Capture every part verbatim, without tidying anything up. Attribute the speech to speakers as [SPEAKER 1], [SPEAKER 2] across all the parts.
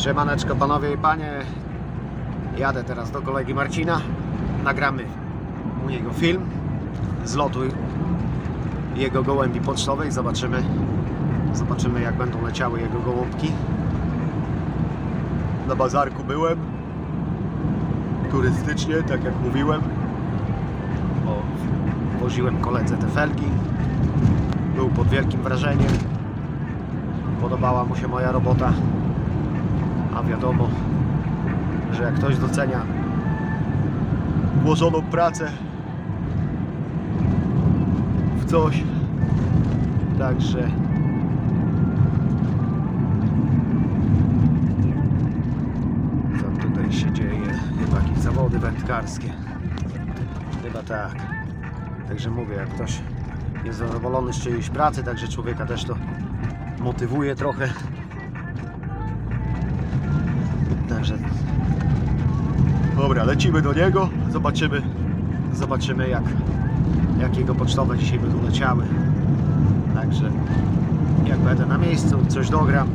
[SPEAKER 1] Siemaneczko panowie i panie. Jadę teraz do kolegi Marcina. Nagramy u niego film z lotu jego gołębi pocztowej. Zobaczymy, zobaczymy jak będą leciały jego gołąbki. Na bazarku byłem turystycznie, tak jak mówiłem. O, woziłem koledze te felgi. Był pod wielkim wrażeniem. Podobała mu się moja robota. A wiadomo, że jak ktoś docenia włożoną pracę w coś, także co tutaj się dzieje? Chyba jakieś zawody wędkarskie. Chyba tak. Także mówię, jak ktoś jest zadowolony z czyjejś pracy, także człowieka też to motywuje trochę. Także dobra, lecimy do niego, zobaczymy zobaczymy jak, jak jego pocztowe dzisiaj będą leciały. Także jak będę na miejscu, coś dogram.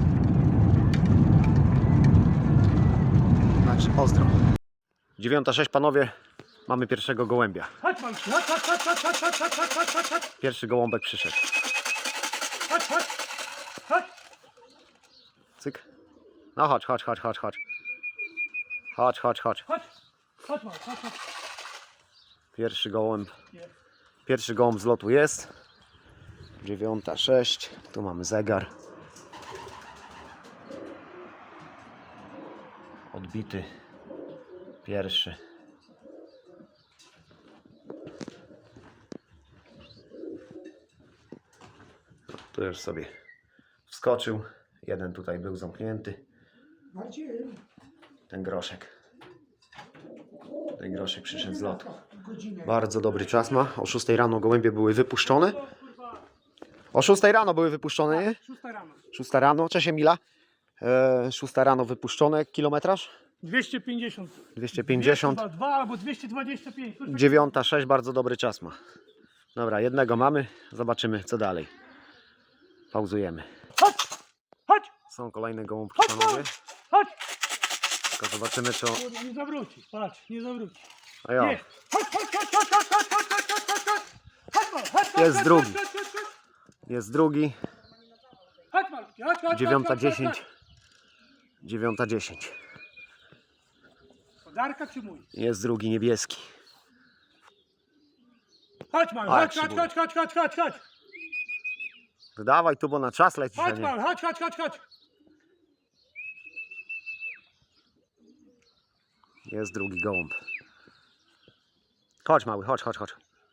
[SPEAKER 1] Także pozdro. dziewiąta sześć panowie, mamy pierwszego gołębia.
[SPEAKER 2] Chodź, chodź, chodź, chodź, chodź, chodź, chodź, chodź, chodź, chodź, chodź.
[SPEAKER 1] Pierwszy gołąbek przyszedł.
[SPEAKER 2] Chodź, chodź, chodź.
[SPEAKER 1] Cyk. No chodź, chodź, chodź, chodź, chodź. Chodź, chodź, chodź.
[SPEAKER 2] Chodź, chodź, chodź, chodź, chodź.
[SPEAKER 1] Pierwszy gołąb. Pierwszy gołąb z lotu jest. dziewiąta sześć. Tu mamy zegar. Odbity. Pierwszy. Tu już sobie wskoczył. Jeden tutaj był zamknięty. Ten groszek. Ten groszek przyszedł z lotu. Bardzo dobry czas ma. O szóstej rano gołębie były wypuszczone. O szóstej rano były wypuszczone, nie?
[SPEAKER 2] Szósta rano.
[SPEAKER 1] szósta rano. Cześć Emila. E, szósta rano wypuszczone. Kilometraż?
[SPEAKER 2] dwieście pięćdziesiąt.
[SPEAKER 1] dwieście pięćdziesiąt.
[SPEAKER 2] dwa albo dwieście dwadzieścia pięć.
[SPEAKER 1] dziewiąta sześć. Bardzo dobry czas ma. Dobra, jednego mamy. Zobaczymy co dalej. Pauzujemy.
[SPEAKER 2] Chodź, chodź,
[SPEAKER 1] Są kolejne gołąbki
[SPEAKER 2] chodź,
[SPEAKER 1] panowie.
[SPEAKER 2] chodź.
[SPEAKER 1] Tylko zobaczymy co...
[SPEAKER 2] Kurde, nie zawróci, patrz, nie zawróci.
[SPEAKER 1] A ja.
[SPEAKER 2] Nie. Chodź, chodź, chodź, chodź, chodź, chodź, chodź, chodź, chodź, chodź, chodź. Chodź, mal, chodź, chodź,
[SPEAKER 1] Jest
[SPEAKER 2] chodź,
[SPEAKER 1] drugi.
[SPEAKER 2] chodź, chodź, chodź.
[SPEAKER 1] Jest drugi.
[SPEAKER 2] Chodź, malutki, chodź, chodź,
[SPEAKER 1] dziewiąta
[SPEAKER 2] chodź, chodź,
[SPEAKER 1] dziesięć.
[SPEAKER 2] chodź.
[SPEAKER 1] dziewiąta dziesięć.
[SPEAKER 2] Podarka czy mój?
[SPEAKER 1] Jest drugi niebieski.
[SPEAKER 2] Chodź, mal,
[SPEAKER 1] A, jak
[SPEAKER 2] chodź,
[SPEAKER 1] się
[SPEAKER 2] chodź,
[SPEAKER 1] boi.
[SPEAKER 2] chodź, chodź, chodź, chodź, chodź.
[SPEAKER 1] Dawaj tu, bo na czas lecisz, a
[SPEAKER 2] Chodź,
[SPEAKER 1] nie.
[SPEAKER 2] mal, chodź, chodź, chodź, chodź.
[SPEAKER 1] Jest drugi gołąb. Chodź mały, chodź, chodź, chodź.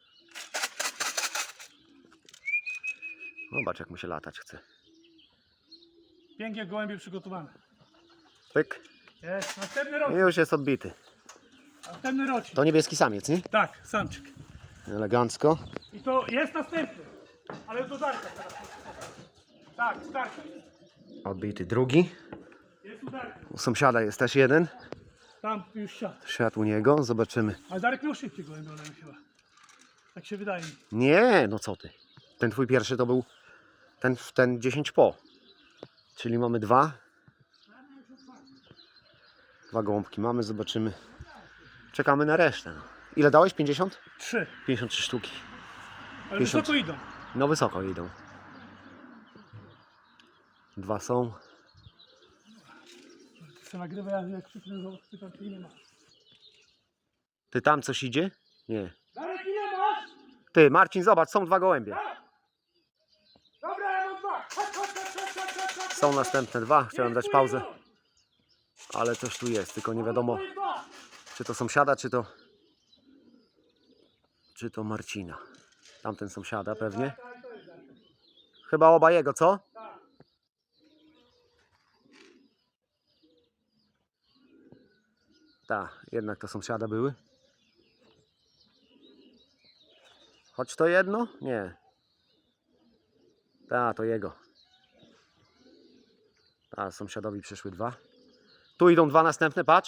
[SPEAKER 1] Zobacz jak mu się latać chce.
[SPEAKER 2] Pięknie gołębie przygotowane.
[SPEAKER 1] Pyk.
[SPEAKER 2] Jest, następny
[SPEAKER 1] I
[SPEAKER 2] rok.
[SPEAKER 1] już jest odbity.
[SPEAKER 2] Następny rocznik.
[SPEAKER 1] To niebieski samiec, nie?
[SPEAKER 2] Tak, samczyk.
[SPEAKER 1] Elegancko.
[SPEAKER 2] I to jest następny. Ale to Darka teraz. Tak, Darka jest.
[SPEAKER 1] Odbity drugi.
[SPEAKER 2] Jest u Darka.
[SPEAKER 1] U sąsiada jest też jeden.
[SPEAKER 2] Tam już siadł.
[SPEAKER 1] Świat u niego. Zobaczymy.
[SPEAKER 2] Ale Darek miał szybciej gołębie ode mnie chyba. Tak się wydaje mi.
[SPEAKER 1] Nie, no co ty. Ten twój pierwszy to był ten, ten dziesięć po. Czyli mamy dwa. Dwa gołąbki mamy, zobaczymy. Czekamy na resztę. No. Ile dałeś? pięćdziesiąt?
[SPEAKER 2] Trzy.
[SPEAKER 1] pięćdziesiąt trzy sztuki.
[SPEAKER 2] Ale
[SPEAKER 1] pięćdziesiąt.
[SPEAKER 2] wysoko idą.
[SPEAKER 1] No wysoko idą. Dwa są.
[SPEAKER 2] Chcę nagrywać, ja jak krzyknę, że pytam, czy ile masz.
[SPEAKER 1] Ty tam coś idzie? Nie.
[SPEAKER 2] Darek, ile masz?
[SPEAKER 1] Ty, Marcin, zobacz, są dwa gołębie.
[SPEAKER 2] Tak. Dobra, ja mam dwa. Chodź, chodź, chodź, chodź, chodź, chodź, chodź.
[SPEAKER 1] Są następne dwa. Chciałem dać pauzę,
[SPEAKER 2] Dziękuję.
[SPEAKER 1] ale coś tu jest. Tylko nie wiadomo,
[SPEAKER 2] Dziękuję, dwa.
[SPEAKER 1] czy to sąsiada, czy to... Czy to Marcina. Tamten sąsiada pewnie.
[SPEAKER 2] Tak, to jest Darek.
[SPEAKER 1] Chyba oba jego, co?
[SPEAKER 2] Tak.
[SPEAKER 1] Tak, jednak to sąsiada były. Choć to jedno? Nie. Tak, to jego. A sąsiadowi przyszły dwa. Tu idą dwa następne, patrz.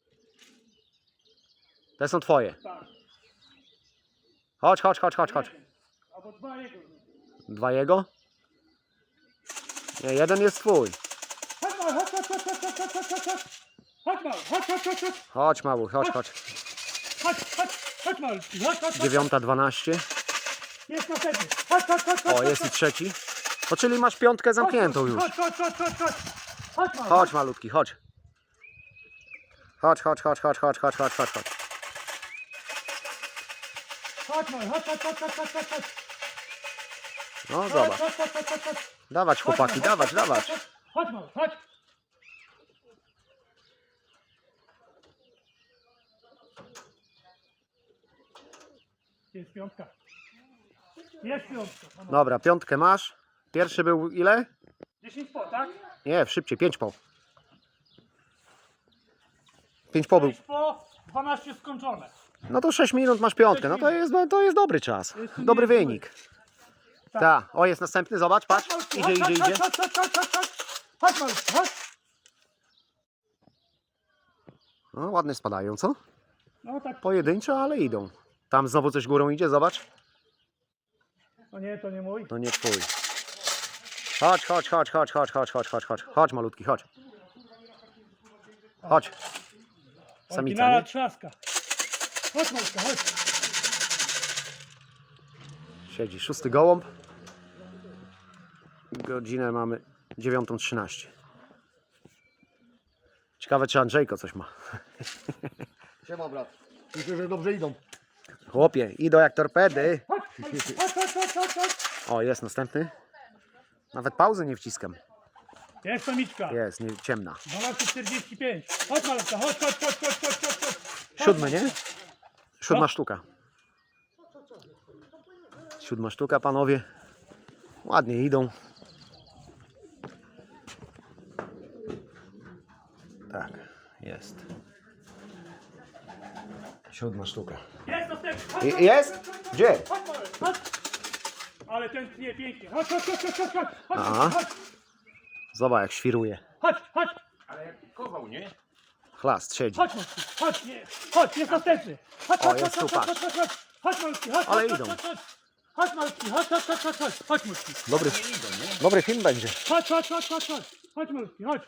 [SPEAKER 1] Te są twoje.
[SPEAKER 2] Tak.
[SPEAKER 1] Chodź, chodź, chodź, chodź, chodź.
[SPEAKER 2] Albo dwa jego.
[SPEAKER 1] Dwa jego? Nie, jeden jest twój.
[SPEAKER 2] Chodź, chodź, chodź, chodź, chodź. chodź, chodź, chodź, chodź, chodź. Chodź mały, chodź, chodź, chodź, chodź.
[SPEAKER 1] Chodź mały, chodź, chodź.
[SPEAKER 2] Chodź, chodź, chodź mały, chodź, chodź, chodź.
[SPEAKER 1] Dziewiąta dwanaście.
[SPEAKER 2] Jest następny. Chodź, chodź, chodź, chodź.
[SPEAKER 1] O, jest i trzeci. No czyli masz piątkę zamkniętą już.
[SPEAKER 2] Chodź, chodź, chodź, chodź, chodź. Chodź mały.
[SPEAKER 1] Chodź malutki, chodź. Chodź, chodź, chodź, chodź, chodź, chodź, chodź, chodź, chodź.
[SPEAKER 2] Chodź mały, chodź, chodź, chodź, chodź, chodź, chodź.
[SPEAKER 1] No
[SPEAKER 2] Chodź,
[SPEAKER 1] zobacz.
[SPEAKER 2] chodź, chodź, chodź, chodź, chodź.
[SPEAKER 1] Dawać chłopaki, dawać, dawać.
[SPEAKER 2] Chodź mały, chodź. Jest piątka. Jest piątka. No, no.
[SPEAKER 1] Dobra, piątkę masz. Pierwszy był ile?
[SPEAKER 2] dziesięć po, tak?
[SPEAKER 1] Nie, szybciej, pięć po. pięć po był.
[SPEAKER 2] sześć po, dwanaście skończone.
[SPEAKER 1] No to sześć minut masz piątkę. No to jest, no to jest dobry czas.
[SPEAKER 2] Jest tu
[SPEAKER 1] Dobry
[SPEAKER 2] niezły.
[SPEAKER 1] wynik. Tak. O, jest następny, zobacz, patrz. Idzie, idzie, idzie.
[SPEAKER 2] Chodź, chodź, chodź, chodź, chodź. Chodź mały, chodź.
[SPEAKER 1] No, ładnie spadają, co?
[SPEAKER 2] No tak.
[SPEAKER 1] Pojedynczo, ale idą. Tam znowu coś górą idzie, zobacz.
[SPEAKER 2] O nie, to nie mój.
[SPEAKER 1] To nie twój. Chodź, chodź, chodź, chodź, chodź, chodź, chodź, chodź, chodź. Chodź malutki, chodź. Chodź. Samica,
[SPEAKER 2] Oryginalna
[SPEAKER 1] nie?
[SPEAKER 2] trzaska. Chodź malutka, chodź.
[SPEAKER 1] Siedzi szósty gołąb. Godzinę mamy dziewiątą trzynaście. Ciekawe, czy Andrzejko coś ma.
[SPEAKER 3] Siema brat. Myślę, że dobrze idą.
[SPEAKER 1] Chłopie, idą jak torpedy.
[SPEAKER 2] Chodź, chodź, chodź, chodź, chodź, chodź.
[SPEAKER 1] O, jest następny. Nawet pauzy nie wciskam.
[SPEAKER 2] Jest samiczka.
[SPEAKER 1] Jest, nie, ciemna.
[SPEAKER 2] dwanaście czterdzieści pięć. Chodź malutka, chodź, chodź, chodź, chodź, chodź, chodź, chodź.
[SPEAKER 1] Siódmy, nie? Siódma
[SPEAKER 2] No.
[SPEAKER 1] sztuka. Siódma sztuka, panowie. Ładnie idą. Tak, jest. Siódma sztuka.
[SPEAKER 2] Jest następny. Chodź,
[SPEAKER 1] I-
[SPEAKER 2] chodź,
[SPEAKER 1] jest?
[SPEAKER 2] chodź, chodź,
[SPEAKER 1] Gdzie?
[SPEAKER 2] Chodź mały, chodź. Ale ten tnie pięknie. Chodź, chodź, chodź, chodź, chodź, chodź.
[SPEAKER 1] Aha.
[SPEAKER 2] Chodź, chodź,
[SPEAKER 1] Zobacz jak świruje.
[SPEAKER 2] chodź, chodź.
[SPEAKER 3] Kował, nie?
[SPEAKER 1] Chlast siedzi.
[SPEAKER 2] Chodź malutki, chodź, nie. Chodź, jest następny. Chodź,
[SPEAKER 1] O,
[SPEAKER 2] chodź,
[SPEAKER 1] jest
[SPEAKER 2] chodź,
[SPEAKER 1] tu,
[SPEAKER 2] chodź, chodź, chodź, chodź. Chodź malutki, chodź,
[SPEAKER 1] Ale
[SPEAKER 2] chodź,
[SPEAKER 1] idą.
[SPEAKER 2] chodź, chodź. Chodź malutki, chodź, chodź, chodź, chodź, chodź. Chodź malutki.
[SPEAKER 1] Dobry, dobry film będzie.
[SPEAKER 2] Chodź, chodź, chodź, chodź, chodź. Chodź malutki, chodź.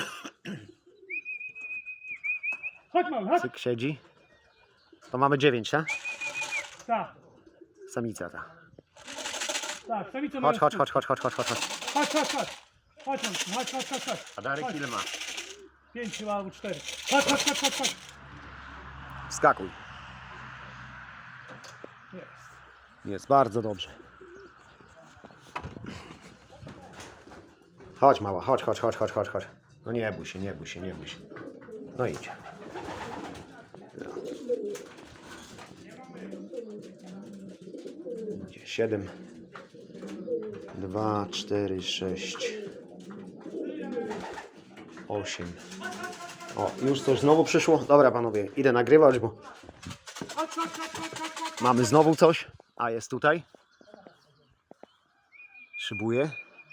[SPEAKER 2] Chodź mały, chodź.
[SPEAKER 1] Cyk siedzi. To mamy dziewięć, tak?
[SPEAKER 2] Tak,
[SPEAKER 1] Samica ta.
[SPEAKER 2] tak, samica
[SPEAKER 1] Chodź,
[SPEAKER 2] mają
[SPEAKER 1] chodź,
[SPEAKER 2] stół.
[SPEAKER 1] chodź, chodź, chodź, chodź, chodź, chodź.
[SPEAKER 2] Chodź, chodź, chodź. Chodź malutki, chodź, chodź, chodź, chodź.
[SPEAKER 3] A Darek
[SPEAKER 2] Chodź.
[SPEAKER 3] ile ma?
[SPEAKER 2] Pięć chyba albo cztery. Chodź, chodź, chodź, chodź, chodź.
[SPEAKER 1] Skakuj.
[SPEAKER 2] Jest.
[SPEAKER 1] Jest bardzo dobrze. Chodź mała, chodź, chodź, chodź, chodź, chodź, chodź. No nie bój się, nie bój się, nie bój się. No idź. Idzie siedem. Dwa, cztery, sześć. Osiem. O, już coś znowu przyszło. Dobra panowie, idę nagrywać, bo
[SPEAKER 2] Chodź, chodź, chodź, chodź, chodź, chodź.
[SPEAKER 1] mamy znowu coś. A jest tutaj. Szybuje.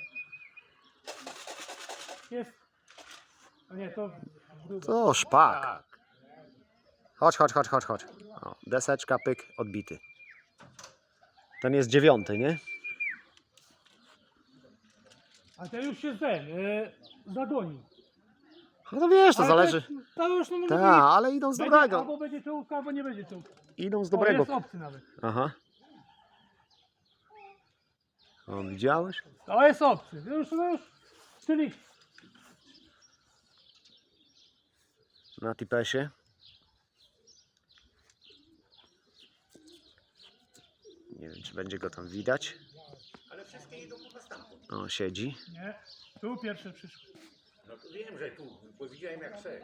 [SPEAKER 2] Jest. A nie, to druga.
[SPEAKER 1] To szpak. Chodź, chodź, chodź, chodź, chodź. O, deseczka, pyk, odbity. Ten jest dziewiąty, nie?
[SPEAKER 2] A ten już się ten, yy, zagonił.
[SPEAKER 1] No to wiesz, to
[SPEAKER 2] Ale
[SPEAKER 1] zależy.
[SPEAKER 2] To, jest- to już no, może
[SPEAKER 1] Tak,
[SPEAKER 2] być-
[SPEAKER 1] ale idą z
[SPEAKER 2] będzie,
[SPEAKER 1] dobrego.
[SPEAKER 2] Albo będzie czołówka, albo nie będzie czołówka.
[SPEAKER 1] Idą z
[SPEAKER 2] O,
[SPEAKER 1] dobrego.
[SPEAKER 2] jest obcy nawet.
[SPEAKER 1] Aha. O, widziałeś?
[SPEAKER 2] To jest obcy. Już, no już. Czyli
[SPEAKER 1] Na tipesie. Nie wiem, czy będzie go tam widać.
[SPEAKER 3] Ale wszystkie idą po postępu.
[SPEAKER 1] O, siedzi.
[SPEAKER 2] nie. Tu pierwsze przyszło.
[SPEAKER 3] No to wiem, że tu, bo widziałem jak se.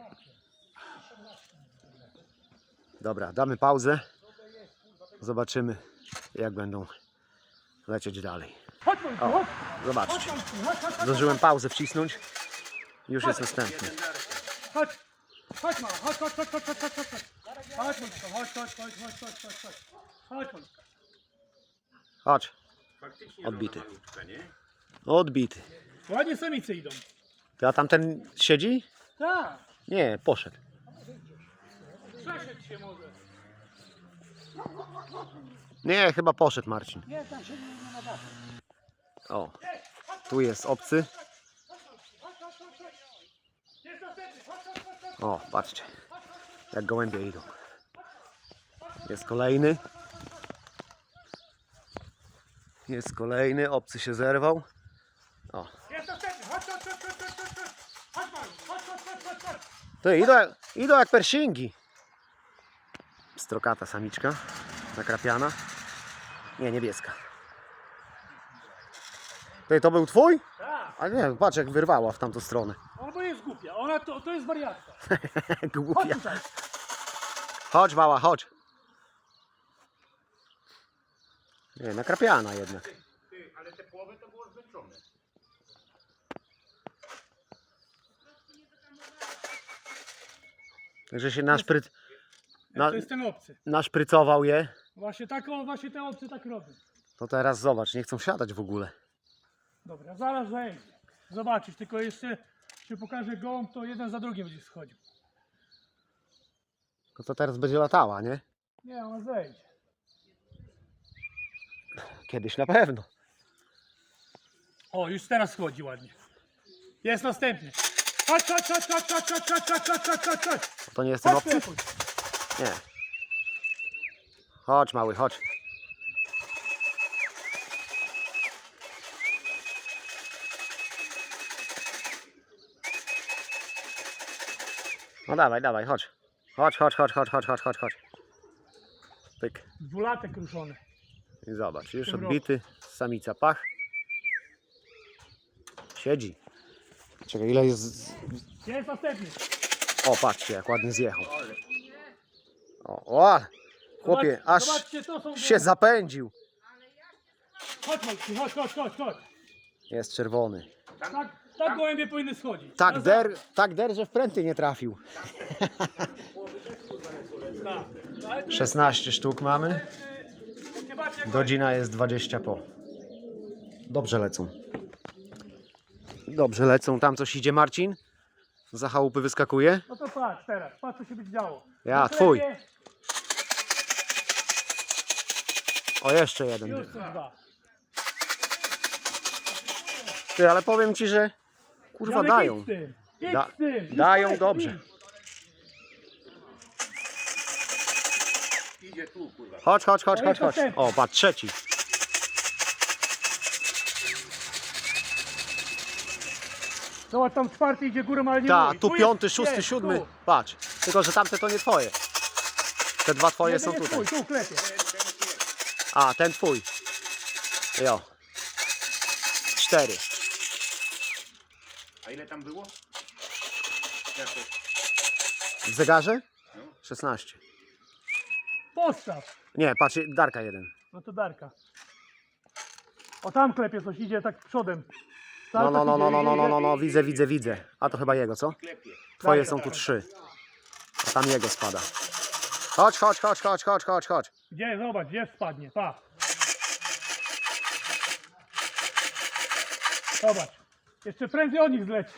[SPEAKER 1] Dobra, damy pauzę. Zobaczymy, jak będą lecieć dalej.
[SPEAKER 2] Chodź, chodź,
[SPEAKER 1] O,
[SPEAKER 2] chodź.
[SPEAKER 1] zobaczcie.
[SPEAKER 2] Chodź, chodź, chodź, chodź.
[SPEAKER 1] Zdążyłem pauzę wcisnąć. Już jest następny.
[SPEAKER 2] Chodź. Chodź, mała, chodź, chodź, chodź, chodź, chodź, chodź, chodź. Chodź, Monika, chodź, chodź, chodź, chodź, chodź, chodź, chodź. Chodź, Monika.
[SPEAKER 1] Chodź.
[SPEAKER 3] Faktycznie
[SPEAKER 1] Odbity.
[SPEAKER 3] żona malutka, nie?
[SPEAKER 1] Odbity.
[SPEAKER 2] Ładnie samice idą.
[SPEAKER 1] Ty, a tamten siedzi?
[SPEAKER 2] Tak.
[SPEAKER 1] Nie, poszedł.
[SPEAKER 2] Przeszedł się może.
[SPEAKER 1] Nie, chyba poszedł Marcin.
[SPEAKER 2] Nie, tam się nie, nie nadaje.
[SPEAKER 1] O, tu jest obcy.
[SPEAKER 2] Chodź, chodź, chodź, chodź. Jest
[SPEAKER 1] O, patrzcie, jak gołębie idą. Jest kolejny. Jest kolejny, obcy się zerwał. O.
[SPEAKER 2] Jest następny, chodź, chodź, chodź, chodź, chodź, chodź, chodź, Mariusz, chodź, chodź, chodź, chodź, chodź.
[SPEAKER 1] Ty, idą, jak- idą jak persingi. Strokata samiczka, nakrapiana. Nie, niebieska. Ty, to był twój?
[SPEAKER 2] Tak,
[SPEAKER 1] A nie, patrz jak wyrwała w tamtą stronę.
[SPEAKER 2] ona bo jest głupia, ona to, to jest wariatka. Chodź
[SPEAKER 1] Głupia.
[SPEAKER 2] tutaj.
[SPEAKER 1] Chodź mała, chodź. Nie, nakrapiana jednak.
[SPEAKER 4] Ty, ale te połowy to było zmęczone.
[SPEAKER 1] Także się naszpryc... Na,
[SPEAKER 2] To jest ten obcy.
[SPEAKER 1] naszprycował je.
[SPEAKER 2] Właśnie tak, o, właśnie te obcy tak robią.
[SPEAKER 1] To teraz zobacz, nie chcą siadać w ogóle.
[SPEAKER 2] Dobra, zaraz zejdzie. Zobaczysz, tylko jeszcze się pokaże gołąb, to jeden za drugim będzie schodził.
[SPEAKER 1] No to teraz będzie latała, nie?
[SPEAKER 2] Nie, ona zejdzie.
[SPEAKER 1] Kiedyś na pewno.
[SPEAKER 2] O, już teraz schodzi ładnie. Jest następny. Chodź, chodź, chodź, chodź, chodź, chodź, chodź, chodź, chodź, chodź, chodź, chodź.
[SPEAKER 1] To nie jest ten
[SPEAKER 2] Chodź,
[SPEAKER 1] obcy?
[SPEAKER 2] Klepuś.
[SPEAKER 1] Nie. Chodź mały, chodź. No dawaj, dawaj, chodź. Chodź, chodź, chodź, chodź, chodź, chodź, chodź, chodź. Pyk.
[SPEAKER 2] Dwulatek ruszony.
[SPEAKER 1] I zobacz, już
[SPEAKER 2] tym
[SPEAKER 1] odbity, samica pach. Siedzi. Czekaj, ile jest...
[SPEAKER 2] Jest następny.
[SPEAKER 1] O, patrzcie, jak ładnie zjechał. O, o chłopie,
[SPEAKER 2] Zobacz-
[SPEAKER 1] aż
[SPEAKER 2] Zobaczcie, to są
[SPEAKER 1] się zapędził.
[SPEAKER 2] Chodź, Malki, chodź, chodź, chodź, chodź.
[SPEAKER 1] Jest czerwony.
[SPEAKER 2] Tak, tak gołębie powinny schodzić.
[SPEAKER 1] Tak
[SPEAKER 2] Na
[SPEAKER 1] der, tak der, że w pręty nie trafił.
[SPEAKER 2] Tak. Ale tu
[SPEAKER 1] szesnaście sztuk mamy.
[SPEAKER 2] jest, nie patrzcie, jak
[SPEAKER 1] Godzina jest dwadzieścia po. Dobrze lecą. Dobrze lecą. Tam coś idzie Marcin. Za chałupy wyskakuje.
[SPEAKER 2] No to patrz teraz, patrz co się będzie działo.
[SPEAKER 1] Ja,
[SPEAKER 2] Na
[SPEAKER 1] twój.
[SPEAKER 2] chlebie
[SPEAKER 1] O, jeszcze jeden.
[SPEAKER 2] Już są dwa.
[SPEAKER 1] Ty, ale powiem ci, że kurwa
[SPEAKER 2] Janek,
[SPEAKER 1] dają.
[SPEAKER 2] idź z tym, idź
[SPEAKER 1] Da-
[SPEAKER 2] z tym, już
[SPEAKER 1] dają
[SPEAKER 2] leci,
[SPEAKER 1] dobrze.
[SPEAKER 2] idź.
[SPEAKER 4] Idzie tu, kurwa.
[SPEAKER 1] Chodź, chodź, chodź,
[SPEAKER 2] To
[SPEAKER 1] chodź,
[SPEAKER 2] jest
[SPEAKER 1] chodź.
[SPEAKER 2] następny.
[SPEAKER 1] O, patrz, trzeci.
[SPEAKER 2] Zobacz, tam czwarty idzie górą, ale nie
[SPEAKER 1] Ta,
[SPEAKER 2] mój.
[SPEAKER 1] tu
[SPEAKER 2] jest-
[SPEAKER 1] piąty, szósty,
[SPEAKER 2] jest,
[SPEAKER 1] siódmy.
[SPEAKER 2] tu.
[SPEAKER 1] Patrz. Tylko, że tamte to nie twoje. Te dwa twoje
[SPEAKER 2] Jeden
[SPEAKER 1] są
[SPEAKER 2] jest
[SPEAKER 1] tutaj.
[SPEAKER 2] twój, tu klepie.
[SPEAKER 1] A, ten twój. Jo. Cztery.
[SPEAKER 4] A ile tam było? Jak to?
[SPEAKER 1] W zegarze?
[SPEAKER 4] No.
[SPEAKER 1] szesnaście.
[SPEAKER 2] Postaw.
[SPEAKER 1] Nie, patrz, Darka jeden.
[SPEAKER 2] No to Darka. O tam klepie coś, idzie tak przodem.
[SPEAKER 1] No,
[SPEAKER 2] Cały
[SPEAKER 1] no,
[SPEAKER 2] czas
[SPEAKER 1] no, no,
[SPEAKER 2] idzie,
[SPEAKER 1] no, no,
[SPEAKER 2] idzie,
[SPEAKER 1] no, no, no,
[SPEAKER 2] idzie.
[SPEAKER 1] widzę, widzę, widzę. A to chyba jego, co?
[SPEAKER 4] Klepie.
[SPEAKER 1] Twoje
[SPEAKER 2] Tak,
[SPEAKER 1] są
[SPEAKER 2] tak,
[SPEAKER 1] tu
[SPEAKER 2] tak.
[SPEAKER 1] trzy. A tam jego spada. Chodź, chodź, chodź, chodź, chodź, chodź, chodź.
[SPEAKER 2] Gdzie, zobacz, gdzie spadnie, pa. Zobacz. Jeszcze prędzej o nich zleci.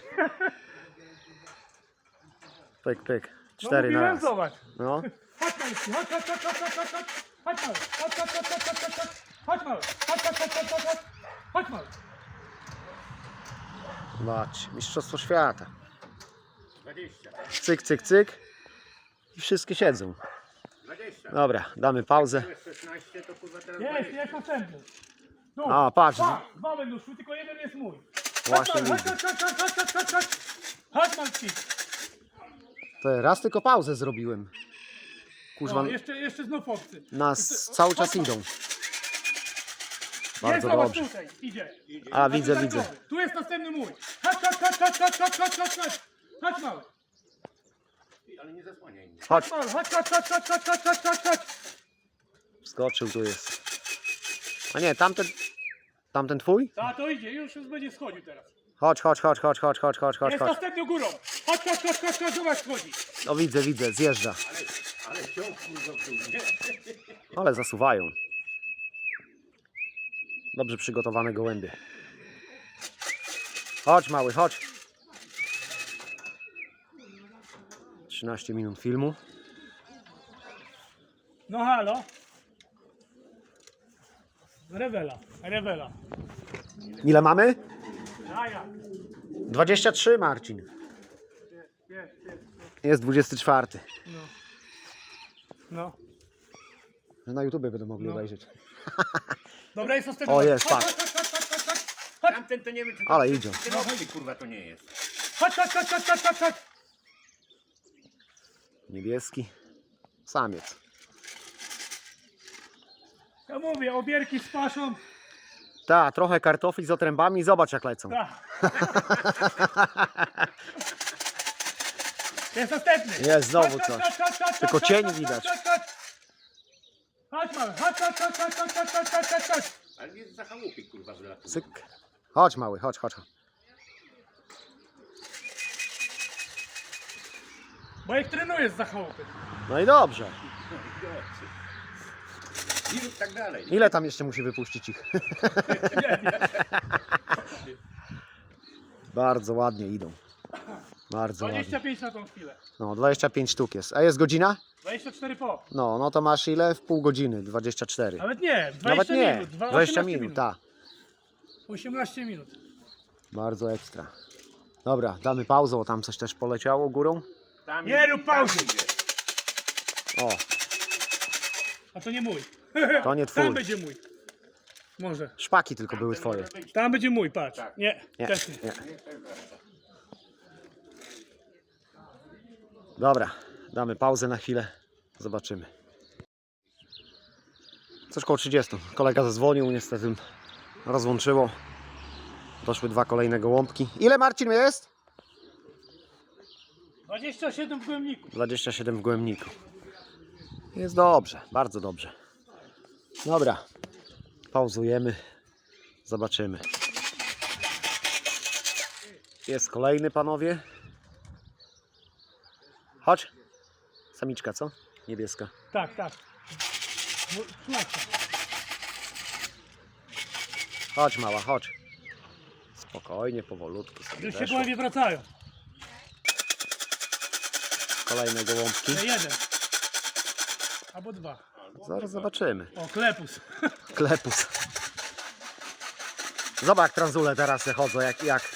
[SPEAKER 1] Pyk, pyk.
[SPEAKER 2] No
[SPEAKER 1] Cztery na
[SPEAKER 2] mówiłem,
[SPEAKER 1] raz.
[SPEAKER 2] zobacz.
[SPEAKER 1] No.
[SPEAKER 2] Chodź mały, chodź, chodź, chodź, chodź, chodź, chodź, chodź mały, chodź, chodź, chodź, chodź, chodź, chodź, chodź mały, chodź, chodź, chodź, chodź, chodź, chodź, chodź mały.
[SPEAKER 1] Zobacz, mistrzostwo świata.
[SPEAKER 4] dwadzieścia.
[SPEAKER 1] Cyk, cyk, cyk. I wszystkie siedzą.
[SPEAKER 4] dwadzieścia.
[SPEAKER 1] Dobra, damy pauzę.
[SPEAKER 4] To jest szesnaście, to kurwa teraz
[SPEAKER 2] Jest,
[SPEAKER 4] dwadzieścia.
[SPEAKER 2] jest następny. Tu,
[SPEAKER 1] A, patrz.
[SPEAKER 2] dwa, dwa będą szły, tylko jeden jest mój.
[SPEAKER 1] Właśnie
[SPEAKER 2] chodź,
[SPEAKER 1] widzę.
[SPEAKER 2] chodź, chodź, chodź, chodź, chodź, chodź, chodź, chodź Malki.
[SPEAKER 1] To raz tylko pauzę zrobiłem. Kurzwa,
[SPEAKER 2] No, jeszcze, jeszcze znów obcy.
[SPEAKER 1] nas cały czas idą.
[SPEAKER 2] Jest,
[SPEAKER 1] Bardzo
[SPEAKER 2] zobacz
[SPEAKER 1] dobrze.
[SPEAKER 2] tutaj, idzie.
[SPEAKER 1] A, widzę,
[SPEAKER 2] Znaczy,
[SPEAKER 1] widzę.
[SPEAKER 2] darkowy. Tu jest następny mój. Chodź, chodź, chodź, chodź, chodź, chodź, chodź, chodź, chodź. Chodź mały.
[SPEAKER 4] Ale nie zasłaniaj mnie.
[SPEAKER 1] Chodź.
[SPEAKER 2] Chodź, chodź, chodź, chodź, chodź, chodź, chodź, chodź, chodź, chodź.
[SPEAKER 1] Skoczył, tu jest. A nie, tamten... Tamten twój?
[SPEAKER 2] A to idzie, już, już będzie schodził teraz.
[SPEAKER 1] Chodź, chodź, chodź, chodź, chodź, chodź, chodź, chodź,
[SPEAKER 2] Jest
[SPEAKER 1] chodź.
[SPEAKER 2] następny górą. Chodź, chodź, chodź, chodź, chodź, zobacz, schodzi.
[SPEAKER 1] No widzę, widzę, zjeżdża.
[SPEAKER 4] Ale, ale ciąg kurwa w dół, nie?
[SPEAKER 1] Ale zasuwają. Dobrze przygotowane gołębie. Chodź mały, chodź. trzynaście minut filmu.
[SPEAKER 2] No halo. Rewela, rewela.
[SPEAKER 1] Ile mamy?
[SPEAKER 2] A ja.
[SPEAKER 1] dwadzieścia trzy, Marcin.
[SPEAKER 2] Jest, jest.
[SPEAKER 1] Jest dwudziesty czwarty.
[SPEAKER 2] No. No.
[SPEAKER 1] Na YouTubie będą mogli
[SPEAKER 2] No.
[SPEAKER 1] obejrzeć.
[SPEAKER 2] Dobra, jest ostatni.
[SPEAKER 1] O, jest,
[SPEAKER 2] chodź,
[SPEAKER 1] patrz.
[SPEAKER 2] chodź, chodź, chodź, chodź, chodź, chodź,
[SPEAKER 4] Tamten to nie wiem, czy to
[SPEAKER 1] Ale idzie.
[SPEAKER 4] ten obcy, kurwa, to nie jest.
[SPEAKER 2] chodź, chodź, chodź, chodź, chodź, chodź, chodź.
[SPEAKER 1] Niebieski. Samiec.
[SPEAKER 2] Ja mówię, obierki z paszą.
[SPEAKER 1] Ta, trochę kartofli z otrębami. Zobacz jak lecą.
[SPEAKER 2] Tak. Jest następny.
[SPEAKER 1] Jest znowu
[SPEAKER 2] Chodź,
[SPEAKER 1] coś.
[SPEAKER 2] chodź, chodź, chodź,
[SPEAKER 1] Tylko
[SPEAKER 2] chodź,
[SPEAKER 1] cień
[SPEAKER 2] chodź,
[SPEAKER 1] widać.
[SPEAKER 2] Chodź, chodź, chodź, mały, chodź, chodź, chodź, chodź, chodź, chodź, chodź, chodź, chodź, chodź.
[SPEAKER 4] Ale jest za chałupy, kurwa, wylatuje.
[SPEAKER 1] Cyk. Chodź mały, chodź, chodź.
[SPEAKER 2] Bo jak trenujesz za chałupy.
[SPEAKER 1] No i dobrze.
[SPEAKER 4] I tak dalej.
[SPEAKER 1] Ile tam jeszcze musi wypuścić ich? Bardzo ładnie idą. Bardzo ładnie.
[SPEAKER 2] dwadzieścia pięć na tą chwilę.
[SPEAKER 1] No, dwadzieścia pięć sztuk jest. A jest godzina?
[SPEAKER 2] dwadzieścia cztery po.
[SPEAKER 1] No, no to masz ile? W pół godziny. dwadzieścia cztery.
[SPEAKER 2] Nawet nie, dwadzieścia
[SPEAKER 1] Nawet nie.
[SPEAKER 2] minut. dwa-
[SPEAKER 1] dwadzieścia
[SPEAKER 2] osiemnaście
[SPEAKER 1] minut, tak.
[SPEAKER 2] osiemnaście minut.
[SPEAKER 1] Bardzo ekstra. Dobra, damy pauzę, bo tam coś też poleciało górą.
[SPEAKER 4] Tam
[SPEAKER 2] Nie rób pauzy.
[SPEAKER 4] tam idzie.
[SPEAKER 1] O,
[SPEAKER 2] A to nie mój.
[SPEAKER 1] to nie twój.
[SPEAKER 2] Tam będzie mój. Może.
[SPEAKER 1] Szpaki tylko były
[SPEAKER 4] Ten
[SPEAKER 1] twoje.
[SPEAKER 4] może być.
[SPEAKER 2] Tam będzie mój, patrz.
[SPEAKER 4] Tak.
[SPEAKER 2] Nie,
[SPEAKER 1] Nie,
[SPEAKER 2] też nie.
[SPEAKER 1] nie. Dobra, damy pauzę na chwilę. Zobaczymy. Coś koło trzydziestu. Kolega zadzwonił, niestety rozłączyło. Doszły dwa kolejne gołąbki. Ile, Marcin, jest?
[SPEAKER 2] dwadzieścia siedem w głębniku.
[SPEAKER 1] dwadzieścia siedem w gołębniku. Jest dobrze, bardzo dobrze. Dobra, pauzujemy. Zobaczymy. Jest kolejny, panowie. Chodź. Samiczka, co? Niebieska.
[SPEAKER 2] Tak, tak. No, słuchajcie.
[SPEAKER 1] Chodź, mała, chodź. Spokojnie, powolutku sobie
[SPEAKER 2] Już się
[SPEAKER 1] weszło.
[SPEAKER 2] gołębie wracają.
[SPEAKER 1] Kolejne gołąbki.
[SPEAKER 2] To jeden. Albo dwa.
[SPEAKER 1] Zaraz zobaczymy.
[SPEAKER 2] O, klepus.
[SPEAKER 1] Klepus. Zobacz, jak tranzule teraz se chodzą, jak, jak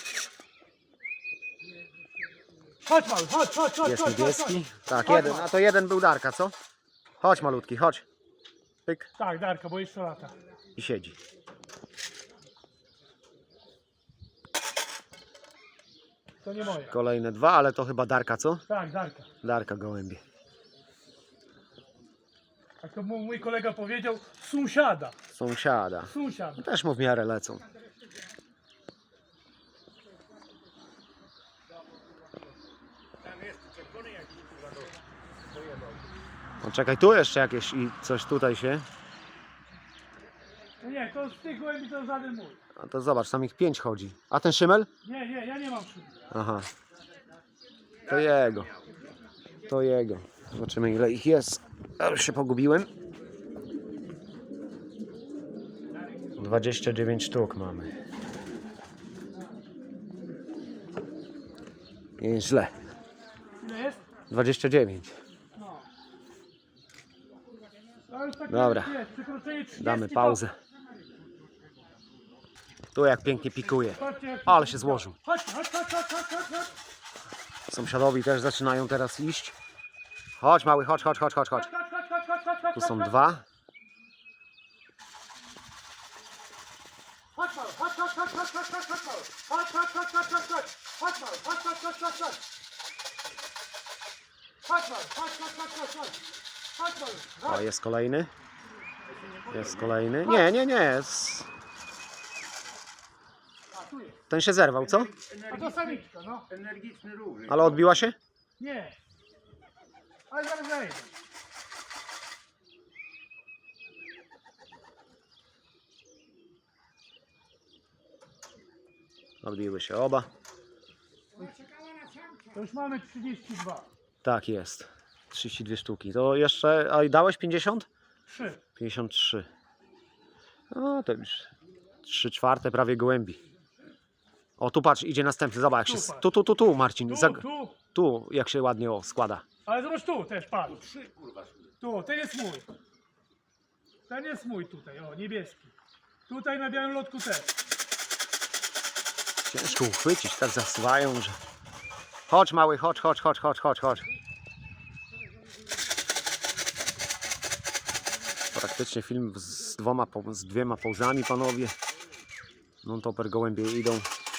[SPEAKER 2] Chodź mały, chodź, chodź, chodź,
[SPEAKER 1] jest
[SPEAKER 2] chodź, chodź,
[SPEAKER 1] niebieski.
[SPEAKER 2] chodź.
[SPEAKER 1] Tak,
[SPEAKER 2] Chodź,
[SPEAKER 1] jeden,
[SPEAKER 2] chodź.
[SPEAKER 1] a to jeden był Darka, co? Chodź malutki, chodź. Pyk
[SPEAKER 2] Tak, Darka, bo jeszcze lata.
[SPEAKER 1] i siedzi.
[SPEAKER 2] To nie moje.
[SPEAKER 1] Kolejne dwa, ale to chyba Darka, co?
[SPEAKER 2] Tak, Darka.
[SPEAKER 1] Darka gołębie.
[SPEAKER 2] Jak to mu- mój kolega powiedział, sąsiada.
[SPEAKER 1] Sąsiada.
[SPEAKER 2] Sąsiada.
[SPEAKER 1] Też mu w miarę lecą.
[SPEAKER 4] Tam jest czerwony jakiś, kurwa, do- dojebał.
[SPEAKER 1] No czekaj, tu jeszcze jakieś i coś tutaj się.
[SPEAKER 2] No nie, to z tych gołębi to żaden mój.
[SPEAKER 1] A to zobacz, tam ich pięć chodzi. A ten szymel?
[SPEAKER 2] Nie, nie, ja nie mam szyby.
[SPEAKER 1] Aha. To jego. To jego. Zobaczymy, ile ich jest. Ja już się pogubiłem. dwadzieścia dziewięć sztuk mamy. Nieźle.
[SPEAKER 2] Ile jest?
[SPEAKER 1] dwadzieścia dziewięć.
[SPEAKER 2] No. To już tak
[SPEAKER 1] Dobra.
[SPEAKER 2] jest, przekroczenie trzydzieści
[SPEAKER 1] Damy
[SPEAKER 2] to-
[SPEAKER 1] pauzę. Tu jak pięknie pikuje.
[SPEAKER 2] Chodźcie, jak-
[SPEAKER 1] Ale się złożył.
[SPEAKER 2] Chodź, chodź, chodź, chodź, chodź, chodź, chodź.
[SPEAKER 1] Sąsiadowi też zaczynają teraz iść. Chodź mały, chodź, chodź, chodź, chodź, chodź.
[SPEAKER 2] Chodź, chodź, chodź, chodź, chodź, chodź, chodź,
[SPEAKER 1] Tu są
[SPEAKER 2] chodź.
[SPEAKER 1] dwa.
[SPEAKER 2] Chodź mały, chodź, chodź, chodź, chodź, chodź, chodź, chodź mały. Chodź, chodź, chodź, chodź, chodź, chodź. Chodź mały, chodź, chodź, chodź, chodź, chodź. Chodź mały, chodź, chodź, chodź, chodź, chodź. Chodź mały,
[SPEAKER 1] O,
[SPEAKER 2] chodź.
[SPEAKER 1] jest kolejny. Jest kolejny. Nie, nie, nie. Jest...
[SPEAKER 2] A, tu jest.
[SPEAKER 1] Ten się zerwał, co?
[SPEAKER 2] A to samiczka, no.
[SPEAKER 4] Energiczny ruch.
[SPEAKER 1] Ale odbiła się?
[SPEAKER 2] Nie. Ale zaraz zajdę.
[SPEAKER 1] Odbiły się oba.
[SPEAKER 2] To już mamy trzydzieści dwa.
[SPEAKER 1] Tak jest. trzydzieści dwie sztuki. To jeszcze... A i dałeś pięćdziesiąt?
[SPEAKER 2] trzy.
[SPEAKER 1] pięćdziesiąt trzy. No to już trzy czwarte prawie gołębi. O, tu patrz, idzie następny. Zobacz, jak się...
[SPEAKER 2] Tu patrz.
[SPEAKER 1] Tu, tu, tu, tu, Marcin.
[SPEAKER 2] Tu,
[SPEAKER 1] Zag-
[SPEAKER 2] tu.
[SPEAKER 1] Tu, jak się ładnie o, składa.
[SPEAKER 2] Ale zobacz tu też, patrz.
[SPEAKER 4] Trzy, kurwa,
[SPEAKER 2] Tu, ten jest mój. Ten jest mój tutaj, o, niebieski. Tutaj na białym lotku też.
[SPEAKER 1] Ciężko uchwycić, tak zasuwają, że... Chodź mały, chodź, chodź, chodź, chodź, chodź, chodź. Praktycznie film z dwoma, po- z dwiema pauzami, panowie. Non-topper gołębie idą.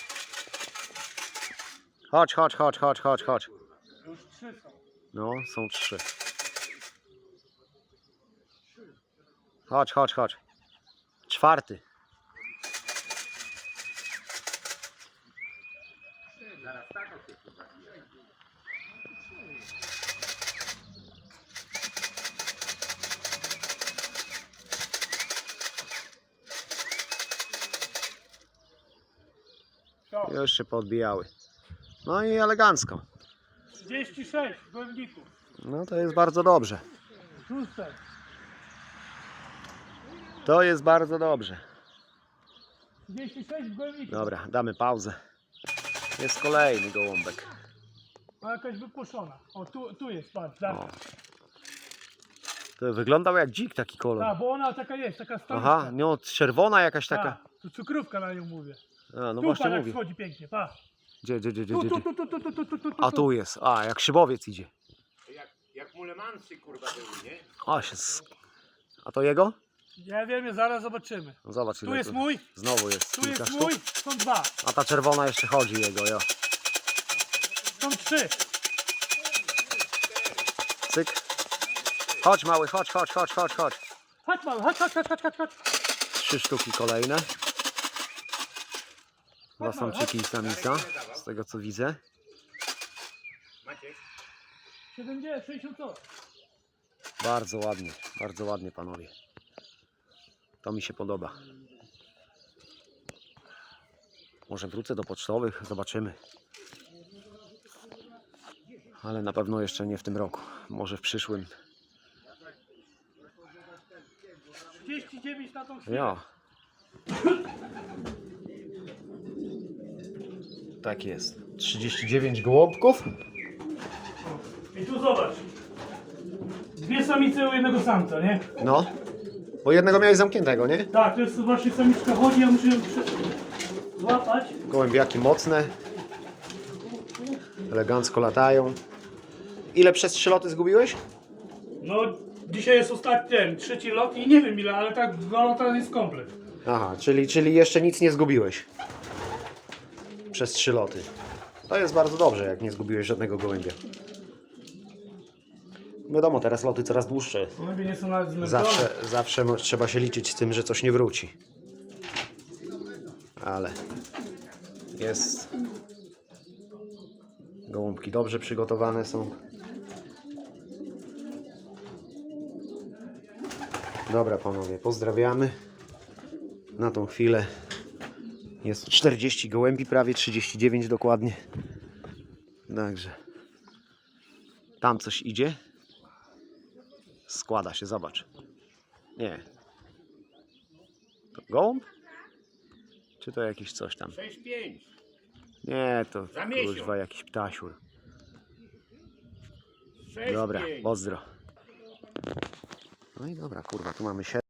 [SPEAKER 1] Chodź, chodź, chodź, chodź, chodź, chodź.
[SPEAKER 2] Już trzy są.
[SPEAKER 1] No, są trzy. Chodź, chodź, chodź. Czwarty.
[SPEAKER 2] Co?
[SPEAKER 1] Już się podbijały. No i elegancko.
[SPEAKER 2] trzydzieści sześć gołębników.
[SPEAKER 1] No to jest bardzo dobrze.
[SPEAKER 2] Szóste.
[SPEAKER 1] To jest bardzo dobrze.
[SPEAKER 2] trzydzieści sześć gołębników.
[SPEAKER 1] Dobra, damy pauzę. Jest kolejny gołąbek.
[SPEAKER 2] Ma jakaś wypuszczona. O, tu, tu jest, patrz. Tak,
[SPEAKER 1] O. To wyglądał jak dzik taki kolor.
[SPEAKER 2] Ta, bo ona taka jest, taka stoliczka.
[SPEAKER 1] Aha, no czerwona jakaś taka.
[SPEAKER 2] Ta, tu cukrówka na nią mówię.
[SPEAKER 1] A, no
[SPEAKER 2] tu
[SPEAKER 1] właśnie
[SPEAKER 2] pan jak
[SPEAKER 1] mówię.
[SPEAKER 2] wchodzi pięknie, pa.
[SPEAKER 1] Gdzie, gdzie, gdzie, gdzie,
[SPEAKER 2] Tu,
[SPEAKER 1] gdzie?
[SPEAKER 2] tu, tu, tu, tu, tu, tu, tu, tu, tu.
[SPEAKER 1] A tu jest. A, jak szybowiec idzie.
[SPEAKER 4] Jak, jak mulemansy kurwa były, nie?
[SPEAKER 1] O, się sk... A to jego?
[SPEAKER 2] Ja wiem, zaraz zobaczymy.
[SPEAKER 1] No zobacz.
[SPEAKER 2] Tu
[SPEAKER 1] ile
[SPEAKER 2] jest
[SPEAKER 1] tu-
[SPEAKER 2] mój,
[SPEAKER 1] Znowu jest
[SPEAKER 2] tu
[SPEAKER 1] kilka
[SPEAKER 2] jest
[SPEAKER 1] sztuk.
[SPEAKER 2] mój, są dwa,
[SPEAKER 1] A ta czerwona jeszcze chodzi jego, jo.
[SPEAKER 2] są trzy.
[SPEAKER 1] Cyk. Chodź mały, chodź, chodź, chodź, chodź, chodź.
[SPEAKER 2] Chodź mały, chodź, chodź, chodź, chodź, chodź, chodź.
[SPEAKER 1] Trzy sztuki kolejne. Dwa
[SPEAKER 2] Chodź, mały,
[SPEAKER 1] samczyki i samica, z tego co widzę.
[SPEAKER 4] Maciek?
[SPEAKER 2] siedemdziesiąt, sześćdziesiąt co?
[SPEAKER 1] Bardzo ładnie, bardzo ładnie panowie. To mi się podoba. Może wrócę do pocztowych, zobaczymy. Ale na pewno jeszcze nie w tym roku. Może w przyszłym.
[SPEAKER 2] trzydzieści dziewięć na tą chwilę.
[SPEAKER 1] Ja. Tak jest. trzydzieści dziewięć gołąbków.
[SPEAKER 2] I tu zobacz. Dwie samice u jednego samca, nie?
[SPEAKER 1] No. Bo jednego miałeś zamkniętego, nie?
[SPEAKER 2] Tak, to jest właśnie samiczka chodzi, ja muszę ją przy... złapać.
[SPEAKER 1] Gołębiaki mocne. Elegancko latają. Ile przez trzy loty zgubiłeś?
[SPEAKER 2] No, dzisiaj jest ostatni, ten, trzeci lot i nie wiem ile, ale tak dwa lata jest komplet.
[SPEAKER 1] Aha, czyli, czyli jeszcze nic nie zgubiłeś. Przez trzy loty. To jest bardzo dobrze, jak nie zgubiłeś żadnego gołębia. Wiadomo, teraz loty coraz dłuższe.
[SPEAKER 2] Gołębie nie są nawet zmęczone.
[SPEAKER 1] Zawsze, zawsze mo- trzeba się liczyć z tym, że coś nie wróci. Ale jest. Gołąbki dobrze przygotowane są. Dobra panowie, pozdrawiamy. Na tą chwilę jest czterdzieści gołębi, prawie trzydzieści dziewięć dokładnie. Także tam coś idzie. Składa się, zobacz. Nie. To gołąb? Czy to jakiś coś tam?
[SPEAKER 4] sześć pięć.
[SPEAKER 1] Nie, to
[SPEAKER 4] Za miesiąc.
[SPEAKER 1] kurwa jakiś ptasiur.
[SPEAKER 4] sześć
[SPEAKER 1] Dobra,
[SPEAKER 4] pięć.
[SPEAKER 1] pozdro. No i dobra, kurwa, tu mamy siedem.